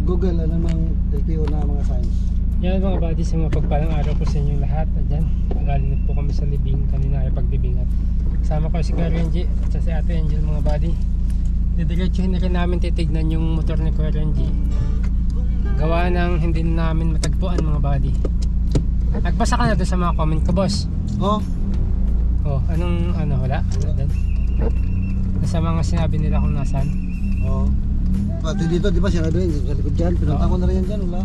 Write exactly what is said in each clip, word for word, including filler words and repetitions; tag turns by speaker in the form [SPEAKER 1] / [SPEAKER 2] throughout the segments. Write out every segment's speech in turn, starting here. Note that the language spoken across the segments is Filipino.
[SPEAKER 1] Google, ano namang L T O na mga signs.
[SPEAKER 2] Yan mga buddy, sa mga pagpalang araw po sa inyong lahat. Ayan, galing na po kami sa libing kanina ay pagdibing at kasama ko si Kuya Renji at si Ate Angel mga buddy. Didiretsuhin na rin namin titignan yung motor ni Kuya Renji. Gawa ng hindi namin matagpuan mga buddy. Nagbasa ka na doon sa mga comment ko, boss?
[SPEAKER 1] Oh?
[SPEAKER 2] Oh, anong ano, wala? Wala doon? Nasa mga sinabi nila kung nasan?
[SPEAKER 1] Oo. Oh. Pati dito, di ba siya na doon, sa likod dyan, pinunta ko na rin yan dyan, wala.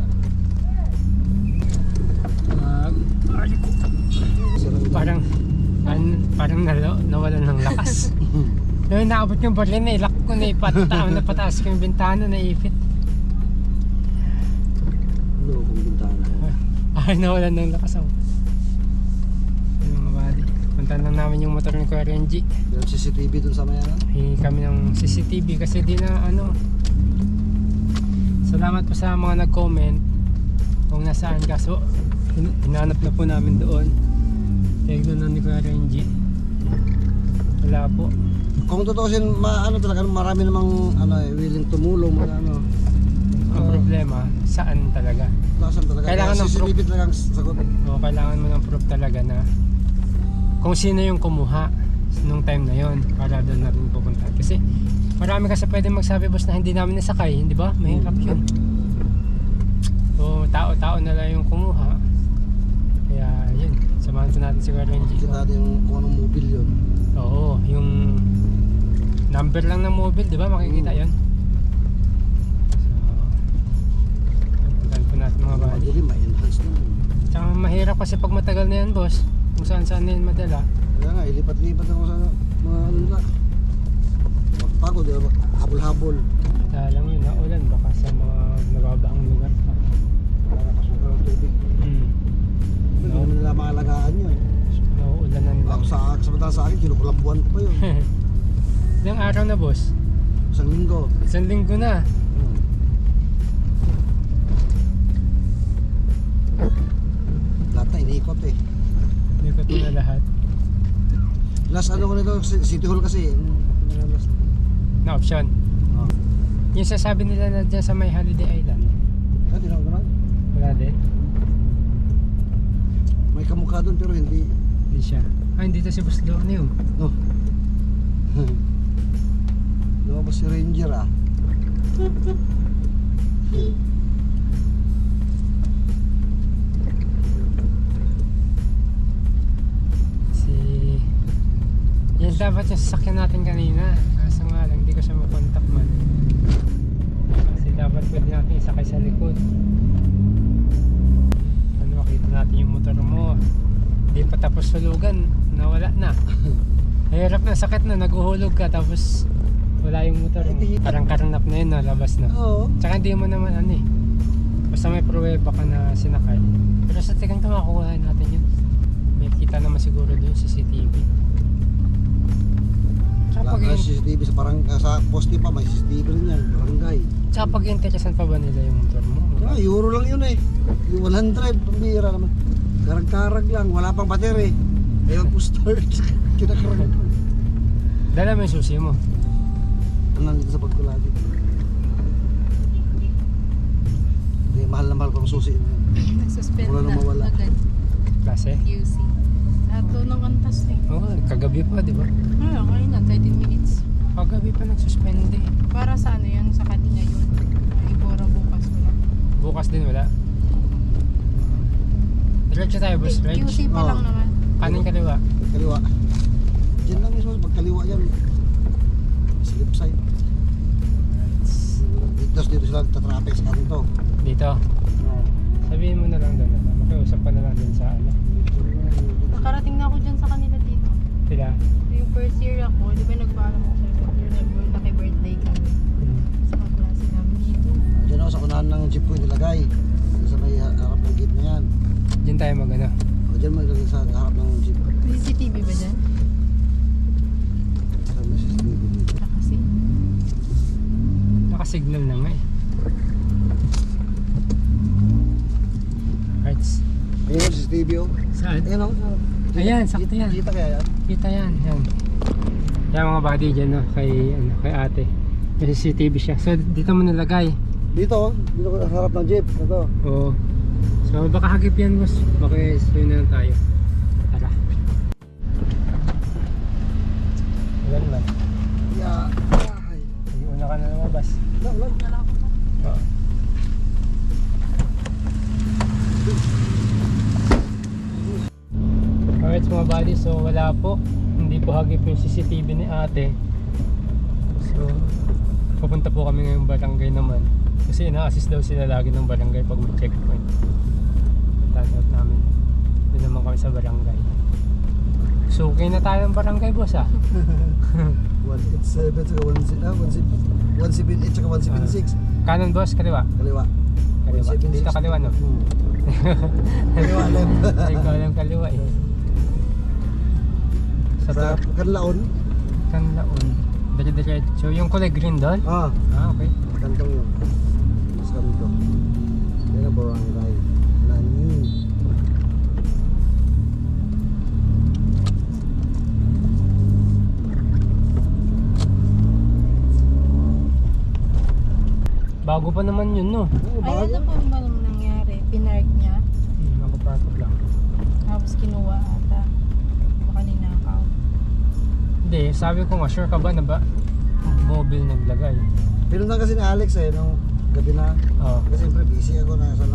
[SPEAKER 2] Uh, parang, an, parang nalo, nawalan ng lakas. Noong naabot yung baril na ilak ko na ipata, napataas ko yung bintana, naipit.
[SPEAKER 1] Ano kung bintana yan?
[SPEAKER 2] Ay, nawalan ng lakas ako. Ano mga buddy, puntan lang namin yung motor ni Kuya Renji.
[SPEAKER 1] Yung C C T V dun sa mayanan?
[SPEAKER 2] Hingi kami ng C C T V kasi di na ano. Salamat po sa mga nag-comment kung nasaan, kaso hin hinanap na po namin doon. Tignan na ni Kuya Renji. Wala po.
[SPEAKER 1] Kung tutusin, maano talaga, marami namang ano, eh, willing tumulong, mga ano.
[SPEAKER 2] Ang
[SPEAKER 1] Uh,
[SPEAKER 2] problema, saan talaga?
[SPEAKER 1] Lasan talaga.
[SPEAKER 2] Kailangan ng
[SPEAKER 1] C C T V talagang sagot.
[SPEAKER 2] O kailangan mo ng proof talaga na kung sino yung kumuha nung time na yon para doon na rin pupunta. Kasi marami kasi pwede magsabi, boss, na hindi namin nasakay, di ba? Mahirap yun. So tao-tao na lang yung kumuha. Kaya yun, samahan po natin si Kuya Renji.
[SPEAKER 1] Kita natin yung kung anong mobile yun.
[SPEAKER 2] Oo, yung number lang ng mobile, di ba? Makikita
[SPEAKER 1] Hmm.
[SPEAKER 2] yun. So puntahan po natin mga buddy.
[SPEAKER 1] Madilim, may enhance na.
[SPEAKER 2] Tsaka mahirap kasi pag matagal na yan, boss, kung saan saan na yan madala.
[SPEAKER 1] Kaya nga, ilipat-lipat ako sa mga ano nila. Pagpagod, di ba? Habol-habol.
[SPEAKER 2] Kaya lang yun, naulan baka sa mga nababaang lugar pa.
[SPEAKER 1] Para nakasuka ng tubig.
[SPEAKER 2] Hmm.
[SPEAKER 1] Hindi naman nila maalagaan yun.
[SPEAKER 2] Nauulanan lang.
[SPEAKER 1] Ako sa, sa sa akin, kinukulambuan ko pa yun.
[SPEAKER 2] Ilang araw na, boss?
[SPEAKER 1] Isang linggo.
[SPEAKER 2] Isang linggo na.
[SPEAKER 1] Hmm. Lahat na iniikot eh.
[SPEAKER 2] Hindi ko ito na lahat.
[SPEAKER 1] Last ano ko nito, City Hall kasi. Yung last.
[SPEAKER 2] Na option.
[SPEAKER 1] Oh.
[SPEAKER 2] Yung sasabi nila na dyan sa may Holiday Island.
[SPEAKER 1] Ah, di na ako
[SPEAKER 2] Wala din.
[SPEAKER 1] May kamukha doon pero hindi.
[SPEAKER 2] Hindi siya. Ah, hindi to si Boss Lorne yun.
[SPEAKER 1] No. Lumabas si Ranger ah.
[SPEAKER 2] Si... Yan dapat yung sasakyan natin kanina. Kaso nga lang, hindi ko siya makontak man. Kasi dapat pwede natin isakay sa likod. Ano, makita natin yung motor mo. Hindi pa tapos sulugan, nawala na. Hirap na, sakit na, naguhulog ka tapos wala yung motor mo. Parang karanap na yun, nalabas na.
[SPEAKER 1] Oo.
[SPEAKER 2] Tsaka hindi mo naman ano eh. Basta may pruweba ka na sinakay. Pero sa tingin ko makuha natin yun. May kita naman siguro doon C C T V. Tsaka pag,
[SPEAKER 1] Wala C C T V sa parang uh, sa poste pa may C C T V rin yan, barangay.
[SPEAKER 2] tsaka pag interesan pa ba nila yung motor mo?
[SPEAKER 1] Ah, euro lang yun eh. Yung one hundred, pambira naman. Karag-karag lang, wala pang battery. Ayaw po start. Kinakarag.
[SPEAKER 2] Dala mo yung susi mo.
[SPEAKER 1] Ano nandito sa pagkulagi. Hindi, mahal na mahal pang susi.
[SPEAKER 3] Nagsuspend
[SPEAKER 1] Wala
[SPEAKER 3] na
[SPEAKER 1] nang mawala.
[SPEAKER 3] agad
[SPEAKER 2] Klase?
[SPEAKER 3] Q C. Ato ng kantas eh.
[SPEAKER 2] Oo, oh, kagabi pa, di ba?
[SPEAKER 3] Ay, okay na, thirty minutes.
[SPEAKER 2] Kagabi pa nagsuspende.
[SPEAKER 3] Para sa ano yan, sa kanina yun. Ay, Ibora bukas wala.
[SPEAKER 2] Bukas din wala. Diretso tayo, boss. Reg.
[SPEAKER 3] Q C pa
[SPEAKER 1] Oo.
[SPEAKER 3] lang naman.
[SPEAKER 2] Kanin kaliwa.
[SPEAKER 1] Kaliwa. Diyan lang mismo, pag kaliwa yan. Slip side. Dito, dito sila tatraffic sa kanto.
[SPEAKER 2] Dito.
[SPEAKER 1] Oo.
[SPEAKER 2] Sabihin mo na lang doon. Makiusap ka na lang din sa ano.
[SPEAKER 3] Nakarating na ako dyan sa kanila dito.
[SPEAKER 2] Sila.
[SPEAKER 3] Yung first year ako, di ba nagpaalam ako sa remember, naki-birthday kami.
[SPEAKER 1] Hmm.
[SPEAKER 3] Sa kaklase namin dito.
[SPEAKER 1] Diyan ako sa kunahan ng jeep ko nilagay. Sa may harap ng gate na yan.
[SPEAKER 2] Diyan tayo mag ano.
[SPEAKER 1] O diyan mo ilagay sa harap ng jeep.
[SPEAKER 3] May C C T V ba dyan?
[SPEAKER 1] Sa may C C T V dito.
[SPEAKER 3] Kasi.
[SPEAKER 2] Nakasignal na nga eh. Hearts.
[SPEAKER 1] Ayun o, C C T V o.
[SPEAKER 2] Saan?
[SPEAKER 1] Ayun o.
[SPEAKER 2] Ayan, sakto yan.
[SPEAKER 1] Kita kaya yan?
[SPEAKER 2] Kita yan. Yan. Yan mga buddy dyan no, kay, ano, kay ate. May C C T V siya. So dito mo nilagay.
[SPEAKER 1] Dito, dito sa harap ng jeep. Ito.
[SPEAKER 2] Oo. So baka hagip yan boss. Baka swim na lang tayo. Tara. Ulan man.
[SPEAKER 1] Yeah. Ay.
[SPEAKER 2] Sige, una ka na lumabas.
[SPEAKER 1] Ulan, ulan.
[SPEAKER 2] Oo. Alright mga buddy, so wala po. Hindi po hagip yung C C T V ni ate. So pupunta po kami ngayong barangay naman. Kasi ina-assist daw sila lagi ng barangay pag may checkpoint. Puntahan out namin. Doon naman kami sa barangay. So okay na tayo ng barangay boss ah.
[SPEAKER 1] one eighty-seven saka one seventy-eight saka one seventy-six.
[SPEAKER 2] Kanan boss, kaliwa.
[SPEAKER 1] Kaliwa.
[SPEAKER 2] Kaliwa.
[SPEAKER 1] one seventy-six.
[SPEAKER 2] Dito kaliwa no?
[SPEAKER 1] Hmm. Kaliwa left.
[SPEAKER 2] Ay, ikaw lang kaliwa eh. Sa,
[SPEAKER 1] Sa
[SPEAKER 2] sa
[SPEAKER 1] Kanlaon.
[SPEAKER 2] Kanlaon. Dire-diretso. Yung kulay green doon?
[SPEAKER 1] Ah,
[SPEAKER 2] Ah, okay.
[SPEAKER 1] kantong yun. Sa kanto. Yan ang barangay. Nanin.
[SPEAKER 2] Bago pa naman yun, no?
[SPEAKER 1] Oo,
[SPEAKER 3] Ay,
[SPEAKER 1] bago.
[SPEAKER 3] ano po ba nang nangyari? Pinark niya,
[SPEAKER 2] Hmm, nakapark lang.
[SPEAKER 3] tapos kinuha ata. Baka ninakaw.
[SPEAKER 2] Hindi, sabi ko nga, sure ka ba na ba mobile naglagay?
[SPEAKER 1] Pinuntan kasi ni Alex eh, nung gabi na.
[SPEAKER 2] Oo.
[SPEAKER 1] Kasi siyempre busy ako na sa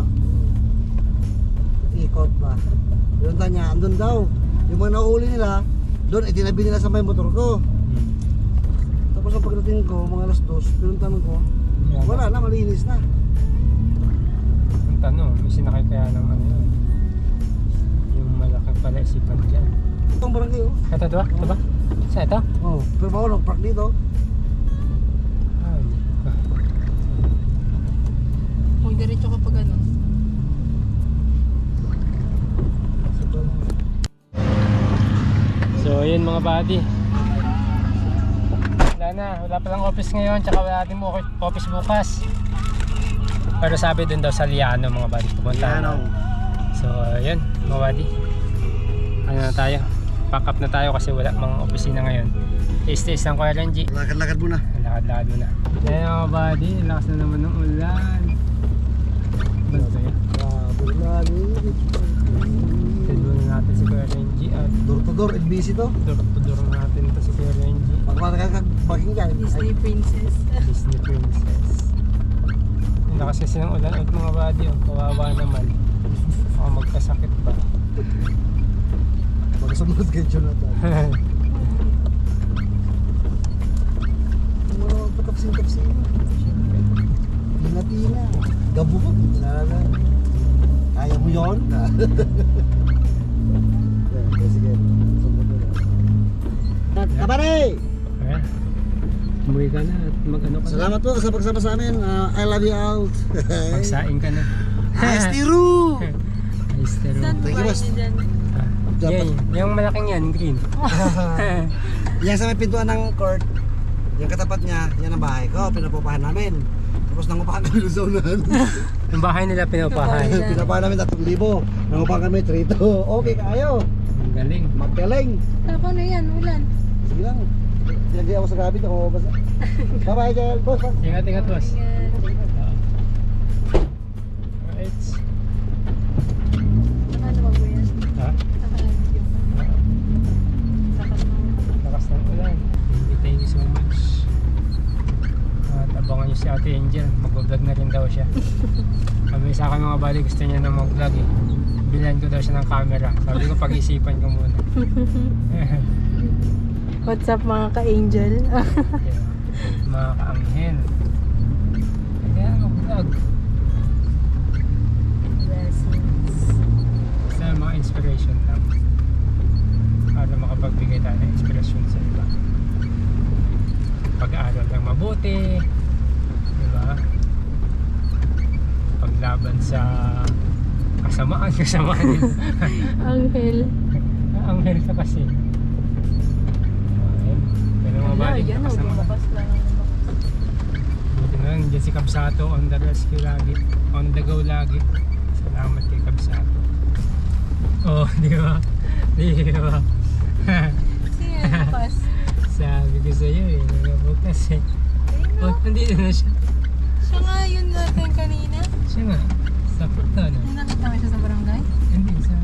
[SPEAKER 1] ikot ba. Pinuntan niya, andun daw. Yung mga nauuli nila, doon itinabi nila sa may motor ko.
[SPEAKER 2] Hmm.
[SPEAKER 1] Tapos ang pagdating ko, mga alas dos, pinuntan ko,
[SPEAKER 2] Yan.
[SPEAKER 1] wala na, malinis na.
[SPEAKER 2] Ang tanong, may sinakay kaya ng ano yun? Yung malaking pala isipan dyan.
[SPEAKER 1] Itong barangay oh.
[SPEAKER 2] Ito, ito ba? Ito ba? Sa ito?
[SPEAKER 1] Oh, pero bako nung park dito.
[SPEAKER 2] Ay, ah.
[SPEAKER 3] Huwag diretso kapag ano.
[SPEAKER 2] So ayun mga buddy. Wala na, wala palang office ngayon, tsaka wala din mo office bukas. Pero sabi dun daw sa Liano mga buddy, pupunta
[SPEAKER 1] Liano.
[SPEAKER 2] na. So ayun mga buddy. Ano na tayo? Pack up na tayo kasi wala mga opisina ngayon. Taste-taste lang ko L N G.
[SPEAKER 1] Lakad-lakad muna.
[SPEAKER 2] Lakad-lakad muna. Ayun mga buddy, lakas na naman ng ulan. Ano ba yun?
[SPEAKER 1] Grabe lagi.
[SPEAKER 2] Tignan muna natin si Kuya Renji at
[SPEAKER 1] Door to door, N B C to.
[SPEAKER 2] dur-dur natin ito si Kuya Renji.
[SPEAKER 1] Pagmatagal ka, baking dyan.
[SPEAKER 3] Disney Princess.
[SPEAKER 2] Disney Princess. Ang lakas kasi ng ulan at mga buddy, oh, kawawa naman. Baka magkasakit pa.
[SPEAKER 1] Magsumunod kay Jonathan. Mga patapsin-tapsin. Tina-tina. Gabo ko. Lala. Kaya mo yun? Okay, sige. Sumunod na. Kapare!
[SPEAKER 2] Ayan. Umuwi ka na at mag-ano ka
[SPEAKER 1] Salamat po sa pagsama sa amin. Uh, I love you all.
[SPEAKER 2] na. Magsaing ka na.
[SPEAKER 1] Ice Tiru!
[SPEAKER 2] Ayos pero.
[SPEAKER 3] Saan
[SPEAKER 1] Thank you,
[SPEAKER 3] ba
[SPEAKER 1] boss.
[SPEAKER 3] yun dyan?
[SPEAKER 2] Ah, yan, yung malaking yan, green.
[SPEAKER 1] Yan sa may pintuan ng court. Yung katapat niya, yan ang bahay ko. Pinapupahan namin. Tapos nangupahan kami doon sa unahan.
[SPEAKER 2] Yung bahay nila pinupahan.
[SPEAKER 1] Pinapahan namin tatlong libo. Nangupahan kami three to. Okay kayo.
[SPEAKER 2] Ang galing.
[SPEAKER 1] Magkaling.
[SPEAKER 3] Tapos ano yan? Ulan.
[SPEAKER 1] Sige lang. Pinagay ako sa gabi. Ako mabasa. Bye-bye, Jel. Boss, boss.
[SPEAKER 2] Ingat, ingat boss.
[SPEAKER 3] Ingat.
[SPEAKER 2] Alright.
[SPEAKER 3] Ano ba po yan?
[SPEAKER 2] Ha?
[SPEAKER 3] Nakalag yun. Takas ng ulan.
[SPEAKER 2] Lakas ng ulan. Thank you, thank you so much. At abangan nyo si Ate Angel. Mag-vlog na rin daw siya. Sabi sa akin mga bali, gusto niya na mag-vlog eh. Bilhan ko daw siya ng camera. Sabi ko pag-isipan ko muna.
[SPEAKER 3] What's up mga ka-angel?
[SPEAKER 2] Yeah. Mga ka-anghel. Kaya mag-vlog.
[SPEAKER 3] Blessings.
[SPEAKER 2] Basta mga inspiration lang. Para makapagbigay tayo ng inspirasyon sa iba. Pag-aaral lang mabuti. Diba? Paglaban sa kasamaan, kasamaan din.
[SPEAKER 3] Anghel.
[SPEAKER 2] Anghel ka kasi. Ayun. Pero mga
[SPEAKER 3] Wala,
[SPEAKER 2] balik,
[SPEAKER 3] yan.
[SPEAKER 2] lakas naman.
[SPEAKER 3] Bukas lang.
[SPEAKER 2] Buti na lang, dyan si Kabsato on the rescue lagi. On the go lagi. Salamat kay Kabsato. Oh, di ba? Di ba?
[SPEAKER 3] Sige, bukas.
[SPEAKER 2] Sabi ko sa'yo eh, nagabukas eh. Oh, nandito na siya.
[SPEAKER 3] Siya nga yun natin
[SPEAKER 2] Siya nga. Sa puto na.
[SPEAKER 3] Hindi nakita mo siya sa barangay?
[SPEAKER 2] Hindi, sa...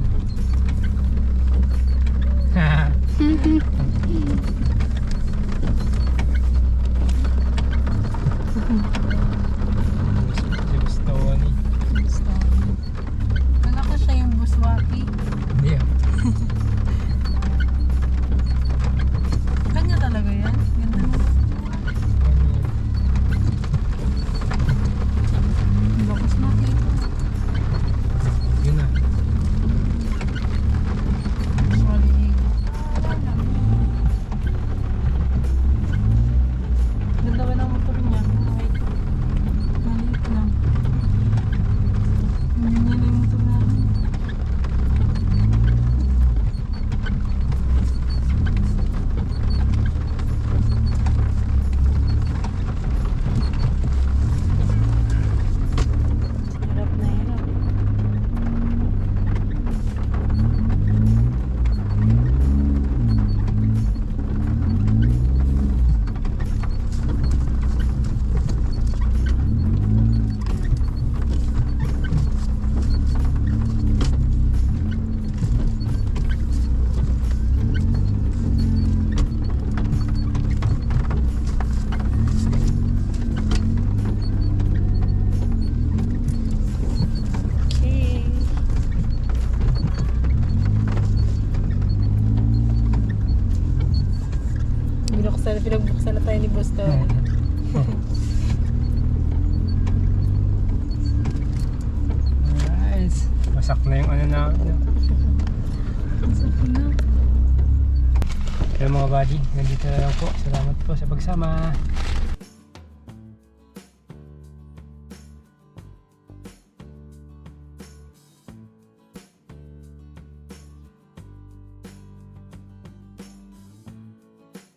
[SPEAKER 2] Gusto ko ni.
[SPEAKER 3] Gusto. Kala ko siya yung buswaki.
[SPEAKER 2] Hindi ah.
[SPEAKER 3] Kanya talaga yan. Ganda na. Bakas makita.
[SPEAKER 2] Yun na.
[SPEAKER 3] Maliig. Ganda ba ng motor niya? Wait. Maliit lang. Hindi niya na yung motor namin. Hirap na hirap. Okay. Binuksan, pinagbuksan na tayo ni Busto.
[SPEAKER 2] Nice. Wasak na yung ano na.
[SPEAKER 3] Sa na.
[SPEAKER 2] Kaya mga buddy, nandito na lang po. Salamat po sa pagsama.